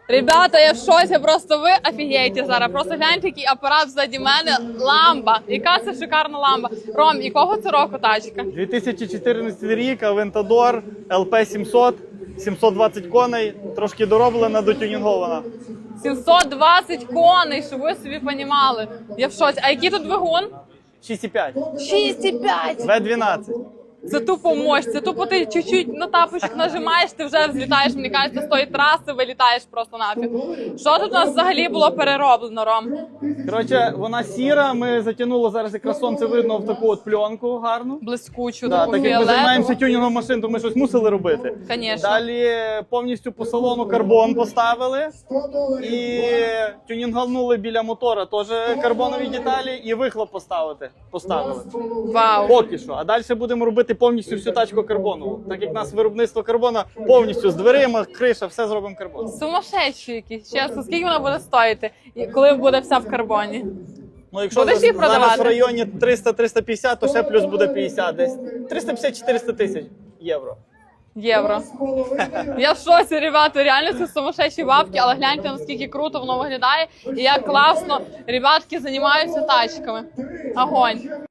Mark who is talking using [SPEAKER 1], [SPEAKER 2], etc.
[SPEAKER 1] Ребята, я в шоці, просто ви офігієте зараз. Просто гляньте, який апарат ззаді мене. Ламба. Яка це шикарна ламба. Ром, якого це року тачка?
[SPEAKER 2] 2014 рік, Aventador LP 700, 720 коней, трошки дороблена, дотюнінгована.
[SPEAKER 1] 720 коней, щоб ви собі понімали. Я в шоці. А який тут двигун?
[SPEAKER 2] 6,5.
[SPEAKER 1] 6,5.
[SPEAKER 2] V12.
[SPEAKER 1] Це тупо мощь, це тупо ти чуть-чуть на тапочок нажимаєш, ти вже взлітаєш, мені кажеться, з тої траси вилітаєш просто нафіг. Що тут у нас взагалі було перероблено, Ром?
[SPEAKER 2] Коротше, вона сіра, ми затягнули зараз якраз сонце видно в таку от пленку гарну.
[SPEAKER 1] Блискучу,
[SPEAKER 2] Да,
[SPEAKER 1] таку
[SPEAKER 2] так як ми
[SPEAKER 1] фіолетову.
[SPEAKER 2] займаємося тюнінгом машин, то ми щось мусили робити.
[SPEAKER 1] Конечно.
[SPEAKER 2] Далі повністю по салону карбон поставили і тюнінгнули біля мотора теж карбонові деталі і вихлоп поставили.
[SPEAKER 1] Вау.
[SPEAKER 2] Поки що. А далі будемо робити повністю всю тачку карбонову. Так як у нас виробництво карбона повністю з дверима, криша, все зробимо карбоном.
[SPEAKER 1] Сумасшедші якісь, чесно. Скільки вона буде стоїти, коли буде вся в карбоні?
[SPEAKER 2] Ну, якщо
[SPEAKER 1] Будеш їх
[SPEAKER 2] зараз
[SPEAKER 1] продавати?
[SPEAKER 2] в районі 300-350, то ще плюс буде 50 десь. 350-400 тисяч євро.
[SPEAKER 1] Євро. Я в шоці, ребята, реально це сумасшедші бабки, але гляньте, наскільки круто воно виглядає і як класно ребятки займаються тачками. Огонь.